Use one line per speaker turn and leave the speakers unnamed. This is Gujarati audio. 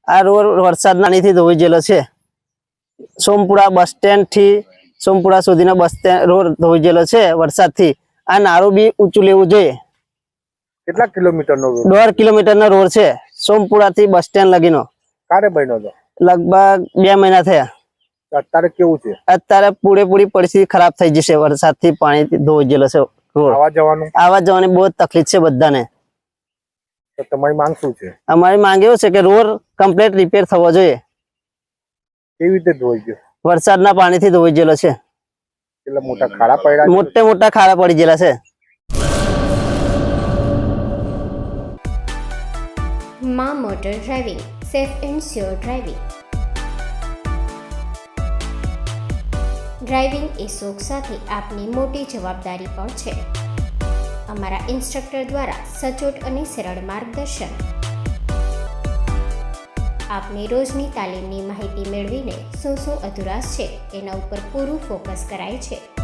આ રોડ વરસાદના પાણીથી ધોઈ ગયેલો છે. સોમપુરા બસ સ્ટેન્ડ થી સોમપુરા સુધીનો બસ સ્ટેન્ડ રોડ ધોઈ ગયેલો છે વરસાદથી. આ નારું બી ઊંચું લેવું જોઈએ.
કેટલા કિલોમીટરનો રોડ?
1.5 કિલોમીટરનો રોડ છે સોમપુરા થી બસ સ્ટેન્ડ લગીનો.
ક્યારે બન્યો હતો?
લગભગ 2 મહિના થયા.
અત્યારે કેવું છે?
અત્યારે પૂરેપૂરી પરિસ્થિતિ ખરાબ થઈ જશે. વરસાદથી પાણીથી ધોઈ ગયેલો છે રોડ. આવવા જવાની બહુ જ તકલીફ છે બધાને.
તો તમારી માંગ શું છે?
અમારી માંગ એવું છે કે રોડ કમ્પ્લીટ રિપેર થવો જોઈએ.
કેવી રીતે ધોઈ ગયો?
વરસાદના પાણીથી ધોઈ ગયેલો છે.
કેટલા મોટા ખાડા પડ્યા?
મોટા ખાડા પડી ગયેલા છે.
માં motor driving, safe and sure driving. Driving એ શોખ સાથે આપની મોટી જવાબદારી પણ છે. અમારા ઇન્સ્ટ્રક્ટર દ્વારા સચોટ અને સરળ માર્ગદર્શન. આપની રોજની તાલીમની માહિતી મેળવીને શું અધુરાશ છે એના ઉપર પૂરું ફોકસ કરાય છે.